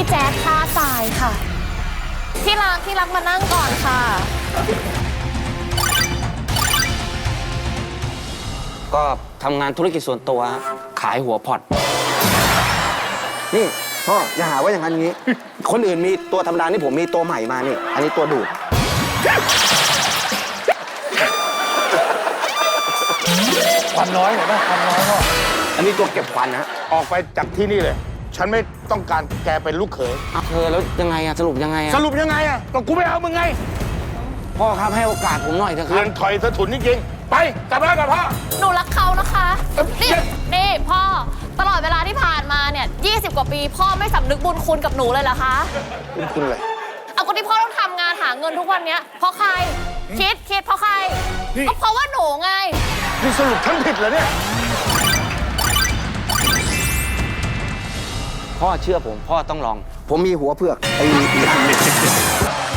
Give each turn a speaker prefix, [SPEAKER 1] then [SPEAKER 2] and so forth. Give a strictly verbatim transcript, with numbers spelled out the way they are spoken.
[SPEAKER 1] แจ๊ดท่าทรายค่ะที่รักที่รักมานั่งก่อนค่ะ
[SPEAKER 2] ก็ทำงานธุรกิจส่วนตัวขายหัวพอร์ตนี่พ่ออย่าหาว่าอย่างนั้นอย่างนี้ คนอื่นมีตัวธรรมดานี่ผมมีตัวใหม่มานี่อันนี้ตัวดูด
[SPEAKER 3] ควันน้อยเห็นไหมควันน้อยพ่อ
[SPEAKER 2] อันนี้ตัวเก็บควันนะ
[SPEAKER 3] ออกไปจากที่นี่เลยฉันไม่ต้องการแกเป็นลูกเขย
[SPEAKER 2] เธอแล้วยังไงอะสรุปยังไงอะ
[SPEAKER 3] สรุปยังไงอะก็กูไม่เอามึงไง
[SPEAKER 2] พ่อครับให้โอกาสผมหน่อยเถอะครับ
[SPEAKER 3] เรือนถอยสะทุนจริงๆไปกลับบ้านกับพ่อ
[SPEAKER 1] หนูรักเขานะคะนี่นี่พ่อตลอดเวลาที่ผ่านมาเนี่ยยี่สิบกว่าปีพ่อไม่สำนึกบุญคุณกับหนูเลยเหรอคะ
[SPEAKER 3] บุญคุณอะไร
[SPEAKER 1] เอาก็ที่พ่อต้องทำงานหาเงินทุกวันนี้เพราะใครคิดคิดเพราะใครก็เพราะว่าหนูไง
[SPEAKER 3] นี่สรุปฉันผิดเหรอเนี่ย
[SPEAKER 2] พ่อเชื่อผมพ่อต้องลองผมมีหัวเผือกไอ้อีกอัน